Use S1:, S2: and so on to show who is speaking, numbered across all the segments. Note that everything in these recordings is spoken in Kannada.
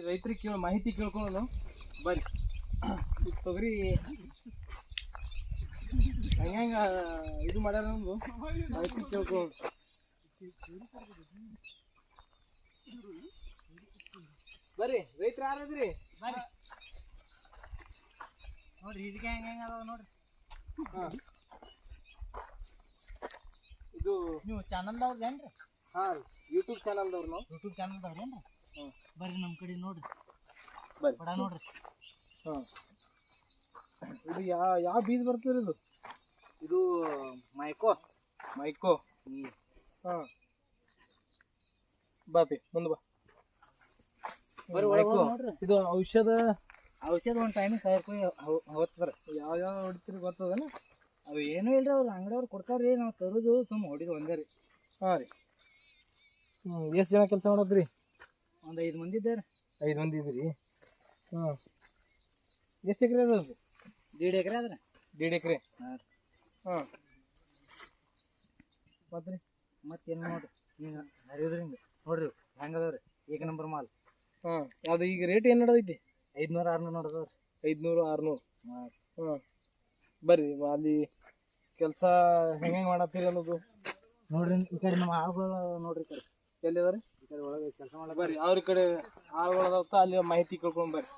S1: ರೈತರಿಗೆ ಮಾಹಿತಿ ಕೇಳ್ಕೊಳ್ಳೋಣ ಬರ್ರಿ. ತೊಗರಿ ಹಂಗ ಇದು ಮಾಡ್ಯಾರ ನಮ್ದು ಮಾಹಿತಿ ಕೇಳ್ಕೊಳ್ಳೋಣ. ಬರ್ರಿ ರೈತರು ಯಾರದ್ರಿ ಬರ್ರಿ
S2: ನೋಡ್ರಿ ಇದಕ್ಕೆ ಹೆಂಗ ಅದಾವ ನೋಡ್ರಿ.
S1: ಇದು
S2: ನೀವು ಚಾನಲ್ದವ್ರದ್ದು ಏನ್ರಿ?
S1: ಹಾಂ ಯೂಟ್ಯೂಬ್ ಚಾನಲ್ದವ್ರು ನಾವು.
S2: ಯೂಟ್ಯೂಬ್ ಚಾನಲ್ದವ್ರು ಏನ್ರಿ? ಬರ್ರಿ ನಮ್ಮ ಕಡೆ ನೋಡ್ರಿ
S1: ಬರ್ರಿ
S2: ಬಡ ನೋಡ್ರಿ.
S1: ಹಾಂ ಇದು ಯಾವ ಬೀಜ ಬರ್ತದೆ ಇದು?
S2: ಇದು ಮೈಕೋ
S1: ಮೈಕೋ. ಹಾಂ ಬಾಪಿ ಮುಂದೆ ಬಾ.
S2: ಬರ್ರಿ
S1: ಮೈಕೋ
S2: ನೋಡ್ರಿ.
S1: ಇದು ಔಷಧ
S2: ಒಂದು ಟೈಮಿಗೆ 1000 ರೂಪಾಯಿ ಹೊತ್ತಾರೆ.
S1: ಯಾವ ಹೊಡಿತೀರಿ ಗೊತ್ತದನ?
S2: ಅವು ಏನೂ ಇಲ್ರಿ, ಅವ್ರು ಅಂಗಡಿಯವ್ರು ಕೊಡ್ತಾರೆ ರೀ, ನಾವು ತರೋದು ಸುಮ್ಮ ಹೊಡಿದು ಒಂದೇ ರೀ.
S1: ಹಾಂ ರೀ. ಎಷ್ಟು ಜನ ಕೆಲಸ ಮಾಡೋದ್ರಿ?
S2: ಒಂದು 5 ಮಂದಿ ಇದ್ದಾರೆ.
S1: 5 ಮಂದಿ ಇದ್ದೀರಿ. ಹಾಂ ಎಷ್ಟು ಎಕರೆ ಅದ?
S2: 1.5 ಎಕರೆ ಅದ್ರ.
S1: 1.5 ಎಕರೆ.
S2: ಹಾಂ
S1: ಹಾಂ ಮತ್ತೆ ರೀ
S2: ಮತ್ತೇನು ನೋಡ್ರಿ ಈಗ ಹರಿಯೋದ್ರಿಂದ ನೋಡ್ರಿ ಹೆಂಗದವ್ರಿ ಏಕ ನಂಬರ್ ಮಾಲ್.
S1: ಹಾಂ ಅದು ಈಗ ರೇಟ್ ಏನು ನಡೆದೈತಿ?
S2: 500-600 ನೋಡದವ್ರಿ.
S1: 500-600.
S2: ಹಾಂ
S1: ಹಾಂ ಬರ್ರಿ ಅಲ್ಲಿ ಕೆಲಸ ಹೆಂಗೆ ಮಾಡತ್ತೀರಿ ಅನ್ನೋದು
S2: ನೋಡ್ರಿ. ಈ ಕಡೆ ನಮ್ಮ ಆಳುಗಳು ನೋಡ್ರಿ, ಈ ಕಡೆ
S1: ಎಲ್ಲಿದಾರೆ?
S2: ಈ ಕಡೆ ಒಳಗೆ ಕೆಲಸ ಮಾಡಕ್ಕೆ
S1: ಬರ್ರಿ ಅವ್ರ ಕಡೆ ಆಳುಗಳದಾವತ್ತ ಅಲ್ಲಿ ಮಾಹಿತಿ ಕೇಳ್ಕೊಂಡು ಬರ್ರಿ.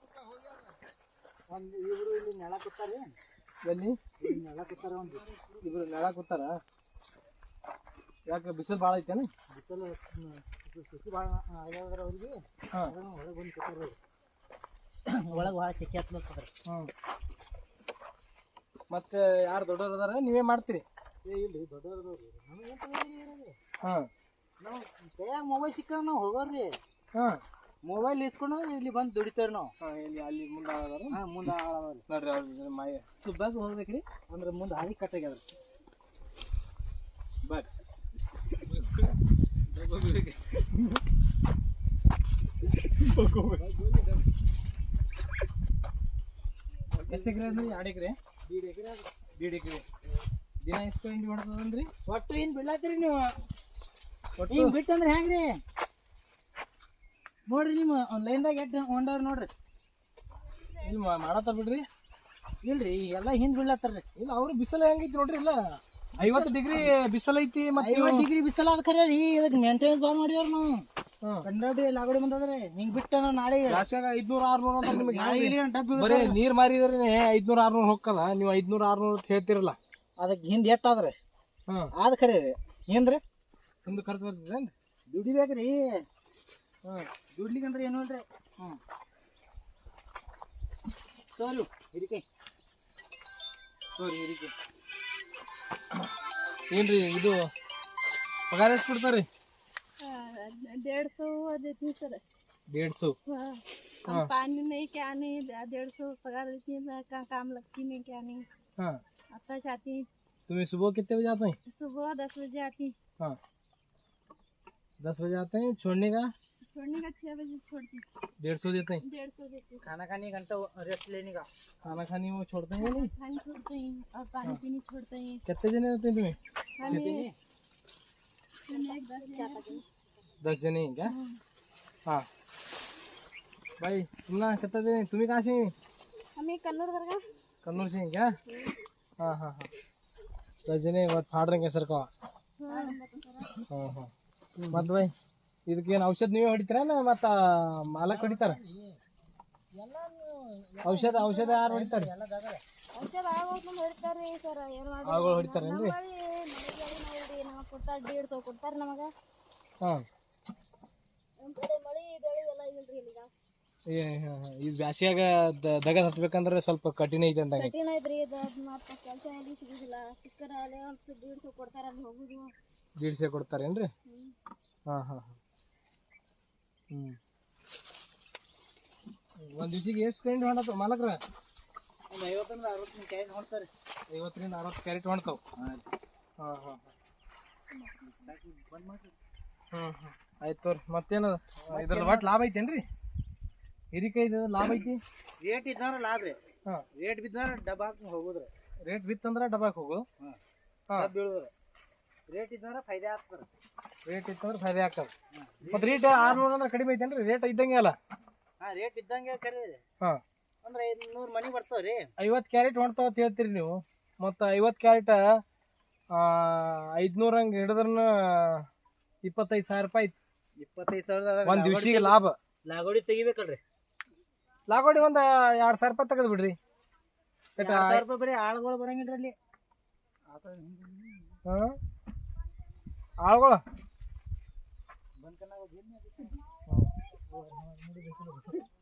S2: ಒಂದು ಇವರು ಇಲ್ಲಿ ನೆಲ ಕೂತಾರೆ.
S1: ಎಲ್ಲಿ
S2: ಇಲ್ಲಿ ನೆಲ ಕೂತಾರೆ, ಒಂದು
S1: ಇಬ್ರು ನೆಲ ಕೂತಾರ? ಯಾಕೆ ಬಿಸಿಲು ಭಾಳ ಐತೇನು?
S2: ಬಿಸಿಲು ಸುಸಿ ಭಾಳ ಆಗ್ಯಾವ್ರಿ ಅವ್ರಿಗೆ.
S1: ಹಾಂ
S2: ಒಳಗೆ ಬಂದು ಕೂತಾರೆ. ಒಳಗೆ ಭಾಳ ಚೆಕ್ಕೆ ಹತ್ಲತ್ತದ್ರಿ.
S1: ಹ್ಞೂ ಮತ್ತೆ ಯಾರು ದೊಡ್ಡವ್ರು ಅದಾರ? ನೀವೇ ಮಾಡ್ತೀರಿ?
S2: ಇಲ್ರಿ ದೊಡ್ಡವ್ರದವ್ರಿ, ನಮಗೆ
S1: ಹಾಂ
S2: ನಾವು ಕೈಯಾಗ ಮೊಬೈಲ್ ಸಿಕ್ಕ ನಾವು ಹೋಗೋರಿ.
S1: ಹಾಂ
S2: ಮೊಬೈಲ್ ಇಸ್ಕೊಂಡು ಇಲ್ಲಿ ಬಂದು ದುಡಿತೇವ್ರಿ ನಾವು.
S1: ಹಾಂ ಎಲ್ಲಿ ಅಲ್ಲಿ ಮುಂದೆ ಅದಾರ?
S2: ಹಾಂ ಮುಂದೆ ಆಳವ್ರಿ.
S1: ನೋಡ್ರಿ ಅವ್ರ ಮಾಯ
S2: ಸುಬ್ಬಾಗಿ ಹೋಗ್ಬೇಕ್ರಿ, ಅಂದ್ರೆ ಮುಂದೆ ಹಾದಿ ಕಟ್ಟಾಗ್ಯದ್ರಿ.
S1: ಬರ್ರಿ ಎಷ್ಟು ಎಕರೆ ಅಂದ್ರೆ? 2 ಎಕರೆ.
S2: 1.5 ಎಕರೆ.
S1: 1.5 ಎಕರೆ. ದಿನ ಎಷ್ಟು ಹಿಂಡಿ ಹೊಡ್ತದನ್ರಿ?
S2: ಒಟ್ಟು ಏನು ಬಿಡ್ಲಾತ್ರಿ ನೀವು?
S1: ಒಟ್ಟು
S2: ಹಿಂಗೆ ಬಿಟ್ಟಂದ್ರೆ ಹೆಂಗ್ರಿ? ನೋಡ್ರಿ ನಿಮ್ಮ ಆನ್ಲೈನ್ದಾಗ ಎಷ್ಟು ಹೊಂಡವ್ರಿ ನೋಡ್ರಿ.
S1: ಇಲ್ಲಿ ಮಾಡತ್ತಾರ ಬಿಡ್ರಿ.
S2: ಇಲ್ರಿ ಎಲ್ಲ ಹಿಂದೆ ಬಿಡ್ಲತ್ತಾರ್ರಿ.
S1: ಇಲ್ಲ ಅವ್ರು ಬಿಸಿಲು ಹೆಂಗೈತಿ ನೋಡ್ರಿ. ಇಲ್ಲ 50 ಡಿಗ್ರಿ ಬಿಸಿಲು ಐತಿ. ಮತ್ತೆ
S2: 50 ಡಿಗ್ರಿ ಬಿಸಿಲು ಅದ ಖರೆ ರೀ, ಇದಕ್ಕೆ ಮೇಂಟೆನೆನ್ಸ್ ಭಾಳ ಮಾಡಿದವ್ರಿ ನಾವು.
S1: ಹಾಂ
S2: ಕಂಡಾಡಿ ಲಾಗಡಿ ಬಂದದ್ರಿ. ಹಿಂಗೆ ಬಿಟ್ಟಂದ್ರೆ ನಾಳೆ
S1: ಜಾಸ್ತಿಯಾಗ 500-600 ಅಂತ ನಿಮಗೆ
S2: ನಾಳೆ ಇಲ್ಲಿ ಡಬ್ಬಿ
S1: ಬರೀ ನೀರು ಮಾರಿದ್ರೆ 500-600 ಹೋಗಲ್ಲ. ನೀವು 500-600 ಅಂತ ಹೇಳ್ತಿರಲ್ಲ.
S2: ಅದಕ್ಕೆ ಹಿಂದೆ ಎಷ್ಟಾದ್ರೆ
S1: ಹಾಂ
S2: ಆದ ಖರೆ ರೀ. ಹಿಂದ್ರಿ
S1: ಒಂದು ಖರ್ಚು ಬರ್ತದೇನು?
S2: ದುಡಿಬೇಕ್ರಿ.
S1: ಹಾಂ
S2: ದುಡ್ಲಿಕ್ಕಂದ್ರೆ ಏನು ಇಲ್ರಿ. ಹ್ಞೂ ತೋರಿ ಹಿರಿಕೆ
S1: ಸರಿ ಹಿರಿಕೆ ಏನ್ರಿ ಇದು ಪಗಾರ ಎಷ್ಟು ಕೊಡ್ತಾರೆ?
S3: 150 देती सर।
S1: 150?
S3: हम पानी नहीं क्या नहीं 150 पगार देती है, काम लगती नहीं क्या नहीं।
S1: हाँ
S3: आता जाती
S1: तुम्हें सुबह कितने बजे आते हैं?
S3: सुबह 10 बजे आती।
S1: हाँ 10 बजे आते हैं। छोड़ने का
S3: 6 बजे छोड़ती।
S1: 150 देते हैं।
S3: 150 देती।
S2: खाना खाने घंटा रेस्ट लेने का।
S1: खाना खाने वो छोड़ते हैं नहीं?
S3: खाने छोड़ते हैं और पानी पीने छोड़ते हैं।
S1: कितने जने होते हैं तुम्हें?
S3: हमें
S1: 10 जने हैं क्या? हाँ भाई तुम ना कितने जने? तुम्हें कहाँ से हैं?
S3: हमें कन्नौर दरगाह।
S1: कन्नौर से हैं क्या? हाँ हाँ हाँ 10 जने मत फाड़ रहे सर का. हाँ हाँ मत भाई ಇದಕ್ಕೇನು ಔಷಧ ನೀವೇ ಹೊಡಿತೀರಾ ಮತ್ತು ಮಾಲಕ್ ಹೊಡಿತಾರ? ಔಷಧ ಯಾರು ಹೊಡಿತಾರೆ?
S3: ಔಷಧ ಆಗೋದು ಹೊಡಿತಾರೆ ಸರ್. ಏನು ಮಾಡಿ
S1: ಆಗಳು ಹೊಡಿತಾರೇನ್ರಿ?
S3: ನಮಗೆ ಕೊಡ್ತಾರೆ 150 ಕೊಡ್ತಾರೆ ನಮಗೆ.
S1: ಹಾಂ
S3: ನಮ್ಮ ಕಡೆ ಮಳೆ ಬೆಳೆ ಎಲ್ಲ ಇಲ್ರಿ ಇಲ್ಲಿಗ.
S1: ಈ ಬ್ಯಾಸಿಯಾಗ ದಗದ್ ಹತ್ಬೇಕಂದ್ರೆ ಸ್ವಲ್ಪ ಕಠಿಣ ಐತೆ ಅಂದಂಗೆ.
S3: ಕಠಿಣ ಐತ್ರಿ ಇದು. ಮತ್ತು ಕೆಲಸ ಎಲ್ಲಿ ಸಿಗುದಿಲ್ಲ. ಸಿಕ್ಕರ ಅಲ್ಲೇ ಒಂದು 150 ಕೊಡ್ತಾರೆ, ಅಲ್ಲಿ ಹೋಗುದು.
S1: 150 ಕೊಡ್ತಾರೇನ್ರಿ? ಹಾಂ ಹಾಂ ಹಾಂ ಒಂದು ದಿವ್ಸಿಗೆ ಎಷ್ಟು ಕ್ಯಾರೆಟ್ ಹೊಂಡತ್ತವ ಮಾಲಕ್ರ?
S2: ಒಂದು 50-60 ಕ್ಯಾರೆಟ್ ಹೊಡ್ತಾರೆ.
S1: 50-60 ಕ್ಯಾರೆಟ್ ಹೊಣ್ತಾವ. ಹಾಂ ಹಾಂ ಹಾಂ
S2: ಬಂದ್ ಮಾಡ್ರಿ.
S1: ಹ್ಞೂ ಹ್ಞೂ ಆಯ್ತು ತೋರಿ. ಮತ್ತೇನದ ಇದ್ರದ್ದು ಒಟ್ಟು ಲಾಭ ಐತೇನ್ರಿ? ಹಿರಿಕಾಯ್ದು ಲಾಭ ಐತಿ?
S2: ರೇಟ್ ಇದ್ದಾರ ಲಾಭ ರೀ.
S1: ಹಾಂ
S2: ರೇಟ್ ಬಿದ್ದಾರ ಡಬ್ಬ ಹಾಕಿ ಹೋಗುದ್ರಿ.
S1: ರೇಟ್ ಬಿತ್ತಂದ್ರೆ ಡಬ್ಬಾಕ್ ಹೋಗು.
S2: ಹಾಂ
S1: ಹಾಂ
S2: ಬೀಳುದ್ರಿ. ರೇಟ್ ಇದ್ದಾರ ಫೈದೆ ಆಗ್ತಾರೆ.
S1: ರೇಟ್ ಇತ್ತಂದ್ರೆ ಫಾಯ್ದೆ ಆಗ್ತದೆ. ಮತ್ತು ರೇಟ್ 600 ಅಂದ್ರೆ ಕಡಿಮೆ ಐತೇನ್ರಿ? ರೇಟ್ ಇದ್ದಂಗೆ ಅಲ್ಲ?
S2: ರೇಟ್ ಇದ್ದಂಗೆ ಕರಿ
S1: ಹಾ
S2: ಅಂದ್ರೆ 500 ಮನಿ ಬರ್ತಾವ್ರಿ.
S1: 50 ಕ್ಯಾರೆಟ್ ಹೊಣ್ತಾವ ಅಂತ ಹೇಳ್ತೀರಿ ನೀವು, ಮತ್ತು 50 ಕ್ಯಾರೆಟ್ 500 ಹಂಗೆ ಹಿಡಿದ್ರನ 25,000 ರೂಪಾಯಿ ಐತಿ
S2: 25,000
S1: ಒಂದು ದಿವ್ಸಿಗೆ ಲಾಭ.
S2: ಲಾಗೋಡಿ ತೆಗಿಬೇಕಲ್ರಿ.
S1: ಲಾಗೋಡಿ ಒಂದು 2,000 ರೂಪಾಯಿ ತೆಗೆದು ಬಿಡ್ರಿ.
S2: 2,000 ರೂಪಾಯಿ ಬರೀ ಆಳುಗಳು ಬರಂಗಿಲ್ರಿ ಅಲ್ಲಿ.
S1: ಹಾಂ ಆಳುಗಳು
S2: ಬಂದ್ಕನಾಗ